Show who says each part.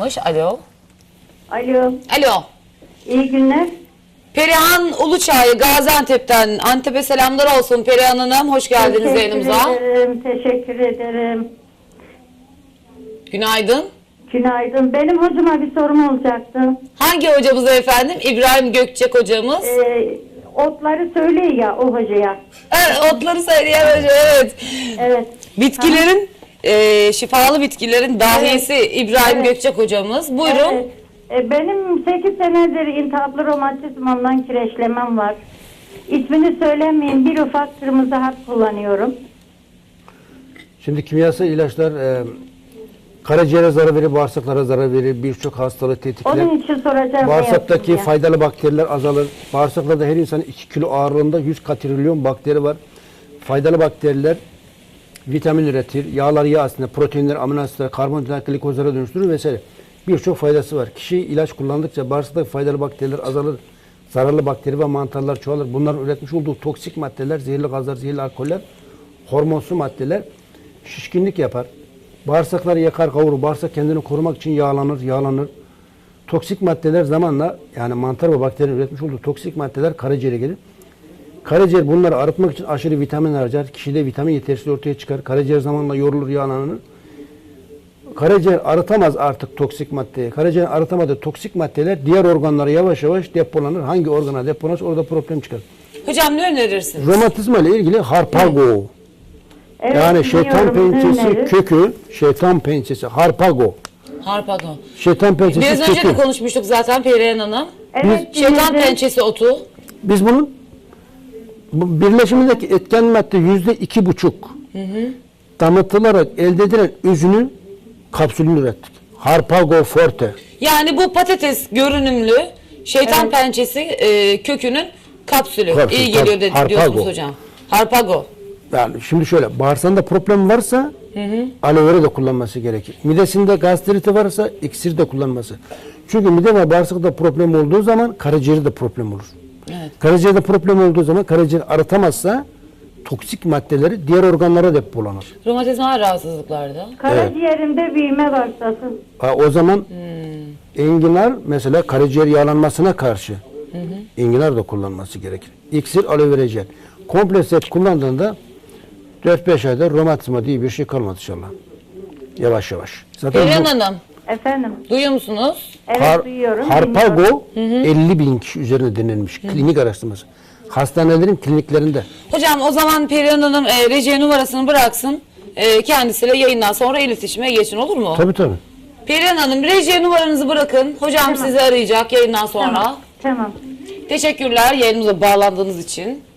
Speaker 1: Alo.
Speaker 2: Alo.
Speaker 1: Alo.
Speaker 2: İyi günler.
Speaker 1: Perihan Uluçay Gaziantep'ten. Antep'e selamlar olsun Perihan Hanım. Hoş geldiniz yayınımıza.
Speaker 2: Teşekkür ederim.
Speaker 1: Günaydın.
Speaker 2: Günaydın. Benim hocama bir sorum olacaktı.
Speaker 1: Hangi hocamız efendim? İbrahim Gökçek hocamız.
Speaker 2: Otları söyleyin ya o hocaya.
Speaker 1: Evet, otları söyleyen hoca, evet.
Speaker 2: Evet.
Speaker 1: Bitkilerin, şifalı bitkilerin dahisi İbrahim Gökçek hocamız. Buyurun.
Speaker 2: Evet. Benim 8 senedir iltihaplı romatizmamdan kireçlemem var. İsmini söylemeyeyim. Bir ufak kırmızı hap kullanıyorum.
Speaker 3: Şimdi kimyasal ilaçlar karaciğere zarar verir, bağırsaklara zarar verir, birçok hastalığı tetikler.
Speaker 2: Onun için soracağım.
Speaker 3: Bağırsaktaki faydalı bakteriler azalır. Bağırsaklarda her insanın 2 kilo ağırlığında 100 katrilyon bakteri var. Faydalı bakteriler vitamin üretir, yağlar yağ aslında, proteinler, amino asitler, karbonhidrat, glikozlara dönüştürür vesaire. Birçok faydası var. Kişi ilaç kullandıkça bağırsaktaki faydalı bakteriler azalır. Zararlı bakteri ve mantarlar çoğalır. Bunların üretmiş olduğu toksik maddeler, zehirli gazlar, zehirli alkoller, hormonsu maddeler şişkinlik yapar. Bağırsakları yakar, kavurur. Bağırsak kendini korumak için yağlanır. Toksik maddeler zamanla, yani mantar ve bakterinin üretmiş olduğu toksik maddeler karaciğere gelir. Karaciğer bunları arıtmak için aşırı vitamin harcar. Kişide vitamin yetersizliği ortaya çıkar. Karaciğer zamanla yorulur, yağlanır. Karaciğer arıtamaz artık toksik maddeyi. Karaciğer arıtamadığı toksik maddeler diğer organlara yavaş yavaş depolanır. Hangi organa depolanırsa orada problem çıkar.
Speaker 1: Hocam ne önerirsiniz?
Speaker 3: Romatizma ile ilgili harpago.
Speaker 2: Evet,
Speaker 3: Yani şeytan
Speaker 2: biliyorum,
Speaker 3: pençesi
Speaker 2: öneririz.
Speaker 3: kökü, şeytan pençesi, harpago.
Speaker 1: Harpago.
Speaker 3: Şeytan pençesi
Speaker 1: Biraz önce
Speaker 3: kökü.
Speaker 1: de konuşmuştuk zaten Perihan Hanım.
Speaker 2: Evet,
Speaker 1: Şeytan
Speaker 2: dinledim.
Speaker 1: pençesi otu.
Speaker 3: Biz bunun birleşimindeki etken madde %2,5 damıtılarak elde edilen özünü kapsülünü ürettik. Harpago forte.
Speaker 1: Yani bu patates görünümlü şeytan pençesi kökünün kapsülü.
Speaker 3: Kapsül,
Speaker 1: İyi geliyor dedi,
Speaker 3: Harpago.
Speaker 1: diyorsunuz hocam. Harpago.
Speaker 3: Yani şimdi şöyle, bağırsağında problem varsa aloe vera da kullanması gerekir. Midesinde gastriti varsa iksir de kullanması. Çünkü mide ve bağırsakta problem olduğu zaman karaciğerde problem olur.
Speaker 1: Evet.
Speaker 3: Karaciğerde problem olduğu zaman karaciğer arıtamazsa toksik maddeleri diğer organlara depolanır.
Speaker 1: Romatizmal rahatsızlıklarda.
Speaker 2: Karaciğerimde büyüme başladı.
Speaker 3: O zaman enginar mesela karaciğer yağlanmasına karşı enginar da kullanması gerekir. İksir, aloe vera jel. Komple set kullandığında 4-5 ayda romatizma diye bir şey kalmadı inşallah. Yavaş yavaş. Zaten
Speaker 1: Perihan
Speaker 3: bu
Speaker 1: Hanım
Speaker 2: Efendim.
Speaker 1: duyuyor musunuz?
Speaker 2: Evet, duyuyorum. dinliyorum.
Speaker 3: Harpago 50.000 kişi üzerine denilmiş. Klinik araştırması. Hastanelerin kliniklerinde.
Speaker 1: Hocam o zaman Perihan Hanım reji numarasını bıraksın. Kendisiyle yayından sonra iletişime geçin, olur mu?
Speaker 3: Tabii tabii.
Speaker 1: Perihan Hanım reji numaranızı bırakın. Hocam sizi arayacak yayından sonra.
Speaker 2: Tamam.
Speaker 1: Teşekkürler yayınımıza bağlandığınız için.